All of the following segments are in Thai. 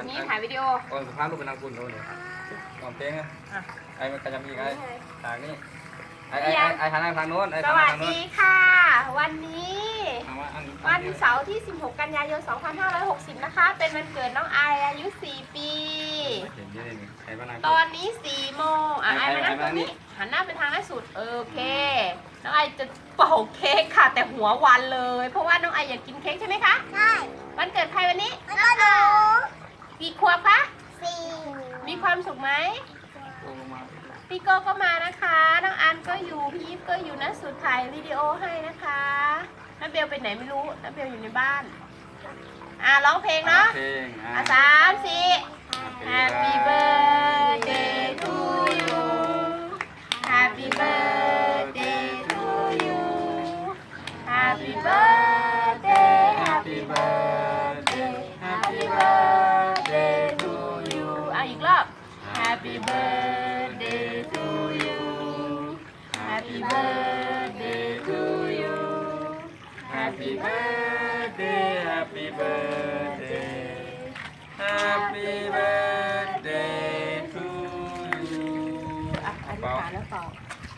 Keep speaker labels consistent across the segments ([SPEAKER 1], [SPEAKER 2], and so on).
[SPEAKER 1] นี้ถ่ายวิดีโอ
[SPEAKER 2] ก่อนสุภาพลูกเป็นนางคุณโน่นเนี่ยก่อนเพลงอ่ะไอ้มันก็จะมีไอ้ทางนี้ไอ้ทางโน้น
[SPEAKER 1] สวัสดีค่ะ วันนี้วันเสาร์ที่ 16 กันยายน 2560 นะคะ เป็นวันเกิดน้องไออายุ 4 ปี ตอนนี้ 4 โมงไอมานั่งตรงนี้หันหน้าไปทางล่าสุดโอเคน้องไอจะเป่าเค้กค่ะแต่หัววันเลยเพราะว่าน้องไออยากกินเค้กใช่ไหมคะใช่วันเกิดใครวันนี้วันเกิดหนูกี่ขวบคะ4มีความสุขไหมพี่โก้ก็มานะคะน้องอันก็อยู่พี่ยิปก็อยู่นะสุดถ่ายวิดีโอให้นะคะน้าเบลไปไหนไม่รู้น้าเบลอยู่ในบ้านร้องเพลงเนาะ3 4 Happy birthday to you Happy birthday to you Happy birthday Happy birthday Happy birthday to you อีกรอบ Happy birthday to you Happy birthday to you Happy birthday Happy birthday Happy birthday to you อธิษฐานแล้วต่อ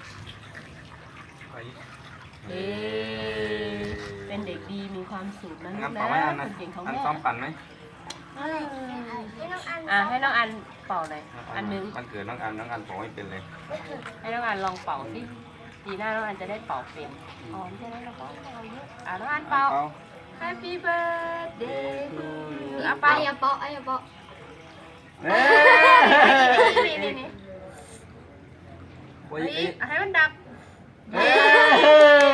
[SPEAKER 1] เป็นเด็กดีมีความสุขนะลูกนะคนเก่งของแม่
[SPEAKER 2] ซ้อมปั่นไหม
[SPEAKER 1] ให้น้องอันเป่าเลยอันนึง
[SPEAKER 2] มันเกิดน้องอันเป่าไม่เป็นเลย
[SPEAKER 1] ให้น้องอันลองเป่าสิปีหน้าน้องอันจะได้เป่าเป็นใช่ไหมเราก็เป่าเยอะน้องอันเป่า Happy birthday to you ไปอย่าเป่าอย่าเป่านี่ให้มันดับ